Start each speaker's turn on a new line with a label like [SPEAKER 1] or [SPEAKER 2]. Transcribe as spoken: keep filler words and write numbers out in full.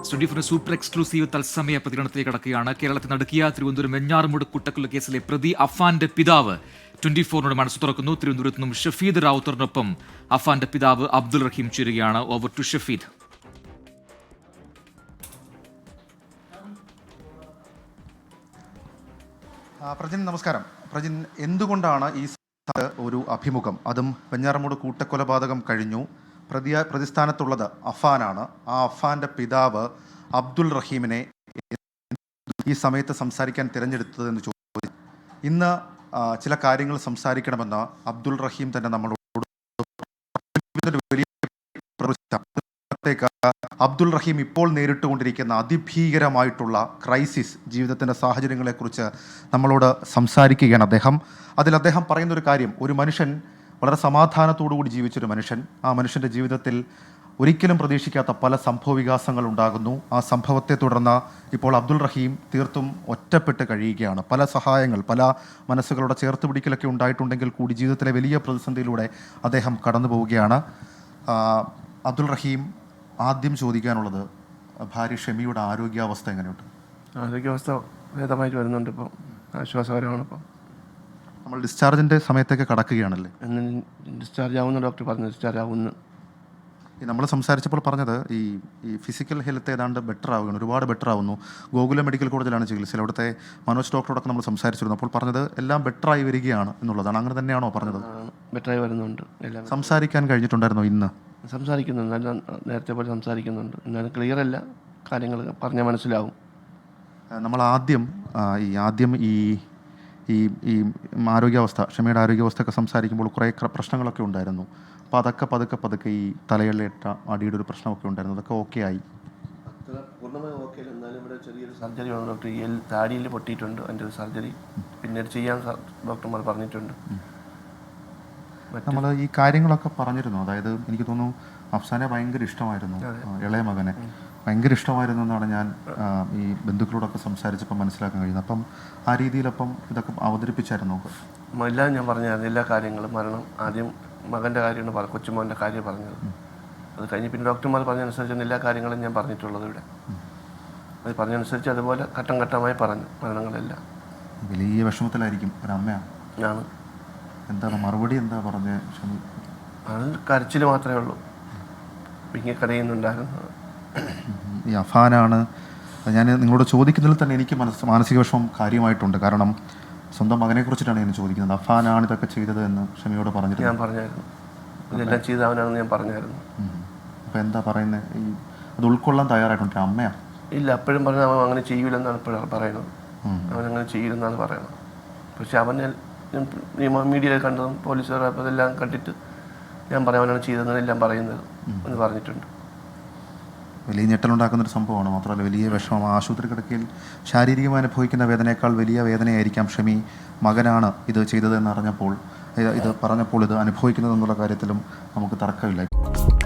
[SPEAKER 1] Twenty four super exclusive തത്സമയ പ്രതികരണത്തിലേക്ക് കടക്കുകയാണ്. കേരളത്തിൽ നടുക്കിയ തിരുവനന്തപുരം വെഞ്ഞാറമൂട് കൂട്ടക്കൊല കേസിലെ പ്രതി അഫാന്റെ പിതാവ് ട്വന്റി ഫോറിനോട് മനസ്സ് തുറക്കുന്നു. തിരുവനന്തപുരത്ത് നിന്നും ഷഫീദ് റാവുത്തറിനൊപ്പം അഫാന്റെ പിതാവ് അബ്ദുൾ റഹീം ചേരുകയാണ്. Over to Shafeed.
[SPEAKER 2] പ്രജിൻ നമസ്കാരം. പ്രജിൻ, എന്തുകൊണ്ടാണ് ഈ ഒരു അഭിമുഖം, അതും വെഞ്ഞാറമൂട് കൂട്ടക്കൊലപാതകം കഴിഞ്ഞു, പ്രതി പ്രതിസ്ഥാനത്തുള്ളത് അഫാനാണ്, ആ അഫാന്റെ പിതാവ് അബ്ദുൾ റഹീമിനെ ഈ സമയത്ത് സംസാരിക്കാൻ തിരഞ്ഞെടുത്തതെന്ന് ചോദിച്ചു. ഇന്ന് ചില കാര്യങ്ങൾ സംസാരിക്കണമെന്ന് അബ്ദുൾ റഹീം തന്നെ നമ്മളോട് വലിയ അബ്ദുൾ റഹീം ഇപ്പോൾ നേരിട്ടുകൊണ്ടിരിക്കുന്ന അതിഭീകരമായിട്ടുള്ള ക്രൈസിസ്, ജീവിതത്തിൻ്റെ സാഹചര്യങ്ങളെക്കുറിച്ച് നമ്മളോട് സംസാരിക്കുകയാണ് അദ്ദേഹം. അതിൽ അദ്ദേഹം പറയുന്നൊരു കാര്യം, ഒരു മനുഷ്യൻ വളരെ സമാധാനത്തോടുകൂടി ജീവിച്ചൊരു മനുഷ്യൻ, ആ മനുഷ്യൻ്റെ ജീവിതത്തിൽ ഒരിക്കലും പ്രതീക്ഷിക്കാത്ത പല സംഭവ വികാസങ്ങൾ ഉണ്ടാകുന്നു. ആ സംഭവത്തെ തുടർന്ന് ഇപ്പോൾ അബ്ദുൾ റഹീം തീർത്തും ഒറ്റപ്പെട്ട് കഴിയുകയാണ്. പല സഹായങ്ങൾ, പല മനസ്സുകളുടെ ചേർത്ത് പിടിക്കലൊക്കെ ഉണ്ടായിട്ടുണ്ടെങ്കിൽ കൂടി ജീവിതത്തിലെ വലിയ പ്രതിസന്ധിയിലൂടെ അദ്ദേഹം കടന്നു പോവുകയാണ്. അബ്ദുൾ റഹീം, ആദ്യം ചോദിക്കാനുള്ളത്, ഭാര്യ ഷെമിയുടെ ആരോഗ്യാവസ്ഥ എങ്ങനെയുണ്ട്?
[SPEAKER 3] ആരോഗ്യാവസ്ഥ ഭേദമായിട്ട് വരുന്നുണ്ട്, ഇപ്പോൾ ആശ്വാസകരമാണ്. ഇപ്പോൾ
[SPEAKER 2] നമ്മൾ ഡിസ്ചാർജിൻ്റെ സമയത്തൊക്കെ കടക്കുകയാണല്ലേ?
[SPEAKER 3] ഡിസ്ചാർജ് ആവുന്ന ഡോക്ടർ പറഞ്ഞു, ഡിസ്ചാർജ് ആവുന്നു.
[SPEAKER 2] ഈ നമ്മൾ സംസാരിച്ചപ്പോൾ പറഞ്ഞത് ഈ ഈ ഫിസിക്കൽ ഹെൽത്ത് ഏതാണ്ട് ബെറ്റർ ആവുകയാണ്, ഒരുപാട് ബെറ്റർ ആവുന്നു. ഗോകുലം മെഡിക്കൽ കോളേജിലാണ് ചികിത്സ. അവിടുത്തെ മനോജ് ഡോക്ടറോടൊക്കെ നമ്മൾ സംസാരിച്ചിരുന്നു. അപ്പോൾ പറഞ്ഞത് എല്ലാം ബെറ്ററായി വരികയാണ് എന്നുള്ളതാണ്. അങ്ങനെ തന്നെയാണോ പറഞ്ഞത്?
[SPEAKER 3] ബെറ്ററായി വരുന്നുണ്ട്. എല്ലാം
[SPEAKER 2] സംസാരിക്കാൻ കഴിഞ്ഞിട്ടുണ്ടായിരുന്നോ ഇന്ന്?
[SPEAKER 3] സംസാരിക്കുന്നുണ്ട്, നല്ല നേരത്തെ പോലെ സംസാരിക്കുന്നുണ്ട്. എന്നാലും ക്ലിയർ അല്ല, കാര്യങ്ങൾ പറഞ്ഞാൽ മനസ്സിലാവും.
[SPEAKER 2] നമ്മൾ ആദ്യം ഈ ആദ്യം ഈ ഈ ഈ ആരോഗ്യാവസ്ഥ, ക്ഷമയുടെ ആരോഗ്യാവസ്ഥയൊക്കെ സംസാരിക്കുമ്പോൾ കുറേ പ്രശ്നങ്ങളൊക്കെ ഉണ്ടായിരുന്നു. അപ്പോൾ അതൊക്കെ പതുക്കെ പതുക്കെ ഈ തലയിലേറ്റ അടിയുടെ ഒരു പ്രശ്നമൊക്കെ ഉണ്ടായിരുന്നു, അതൊക്കെ ഓക്കെ ആയി?
[SPEAKER 3] അത്ര പൂർണ്ണമായി ഓക്കെ അല്ല, എന്നാലും ഇവിടെ ചെറിയൊരു സർജറി വേണം ഡോക്ടർ. ഈ എൽ താടിയിൽ പൊട്ടിയിട്ടുണ്ട്, അതിൻ്റെ ഒരു സർജറി പിന്നീട് ചെയ്യാൻ ഡോക്ടർമാർ പറഞ്ഞിട്ടുണ്ട്.
[SPEAKER 2] നമ്മൾ ഈ കാര്യങ്ങളൊക്കെ പറഞ്ഞിരുന്നു. അതായത് എനിക്ക് തോന്നുന്നു അഫ്സാനെ ഭയങ്കര ഇഷ്ടമായിരുന്നു, ഇളയ മകനെ ഭയങ്കര ഇഷ്ടമായിരുന്നു എന്നാണ് ഞാൻ ഈ ബന്ധുക്കളോടൊക്കെ സംസാരിച്ചപ്പോൾ മനസ്സിലാക്കാൻ കഴിയുന്നത്. അപ്പം ആ രീതിയിലപ്പം ഇതൊക്കെ അവതരിപ്പിച്ചായിരുന്നു?
[SPEAKER 3] എല്ലാം ഞാൻ പറഞ്ഞായിരുന്നു, എല്ലാ കാര്യങ്ങളും. മരണം ആദ്യം മകൻ്റെ കാര്യമാണ് പറഞ്ഞത്, കൊച്ചുമോൻ്റെ കാര്യം പറഞ്ഞത്. അത് കഴിഞ്ഞ് പിന്നെ ഡോക്ടർമാർ പറഞ്ഞതനുസരിച്ചാണ് എല്ലാ കാര്യങ്ങളും ഞാൻ പറഞ്ഞിട്ടുള്ളത് ഇവിടെ. അത് പറഞ്ഞതനുസരിച്ച് അതുപോലെ ഘട്ടം ഘട്ടമായി പറഞ്ഞു മരണങ്ങളെല്ലാം.
[SPEAKER 2] വലിയ വിഷമത്തിലായിരിക്കും ഒരമ്മയാണ്.
[SPEAKER 3] ആണ്.
[SPEAKER 2] എന്താണ് മറുപടി, എന്താ പറഞ്ഞത് ക്ഷമി?
[SPEAKER 3] അത് കരച്ചിൽ മാത്രമേ ഉള്ളൂ, പിന്നെ കരയുന്നുണ്ടായിരുന്നു.
[SPEAKER 2] ഈ അഫാനാണ് ഞാൻ നിങ്ങളോട് ചോദിക്കുന്നതിൽ തന്നെ എനിക്ക് മനസ്സ് മാനസിക വിഷമം കാര്യമായിട്ടുണ്ട്. കാരണം സ്വന്തം മകനെ കുറിച്ചിട്ടാണ് ഞാൻ ചോദിക്കുന്നത്. അഫാനാണ് ഇതൊക്കെ ചെയ്തത് എന്ന് ക്ഷമയോട് പറഞ്ഞിട്ട്
[SPEAKER 3] ഞാൻ പറഞ്ഞായിരുന്നു, ഇതെല്ലാം ചെയ്ത അവനാണെന്ന് ഞാൻ പറഞ്ഞായിരുന്നു.
[SPEAKER 2] അപ്പോൾ എന്താ പറയുന്നത്? ഈ അത് ഉൾക്കൊള്ളാൻ തയ്യാറായിട്ടുണ്ട് അമ്മയാണ്?
[SPEAKER 3] ഇല്ല, അപ്പോഴും പറഞ്ഞ അവൻ അങ്ങനെ ചെയ്യൂലെന്നാണ് ഇപ്പോഴും പറയുന്നത്. അവനങ്ങനെ ചെയ്യില്ലെന്നാണ് പറയുന്നത്. പക്ഷെ അവൻ മീഡിയയിൽ കണ്ടതും പോലീസുകാർ അതെല്ലാം കണ്ടിട്ട് ഞാൻ പറയാം അവനാണ് ചെയ്തതെന്നെല്ലാം പറയുന്നത് എന്ന് പറഞ്ഞിട്ടുണ്ട്.
[SPEAKER 2] വലിയ ഞെട്ടലുണ്ടാക്കുന്നൊരു സംഭവമാണ്. മാത്രമല്ല വലിയ വിഷമം. ആശുപത്രി കിടക്കയിൽ ശാരീരികമായി അനുഭവിക്കുന്ന വേദനയേക്കാൾ വലിയ വേദനയായിരിക്കാം ഷമി മകനാണ് ഇത് ചെയ്തതെന്ന് അറിഞ്ഞപ്പോൾ, ഇത് പറഞ്ഞപ്പോൾ ഇത് അനുഭവിക്കുന്നതെന്നുള്ള കാര്യത്തിലും നമുക്ക് തർക്കമില്ല.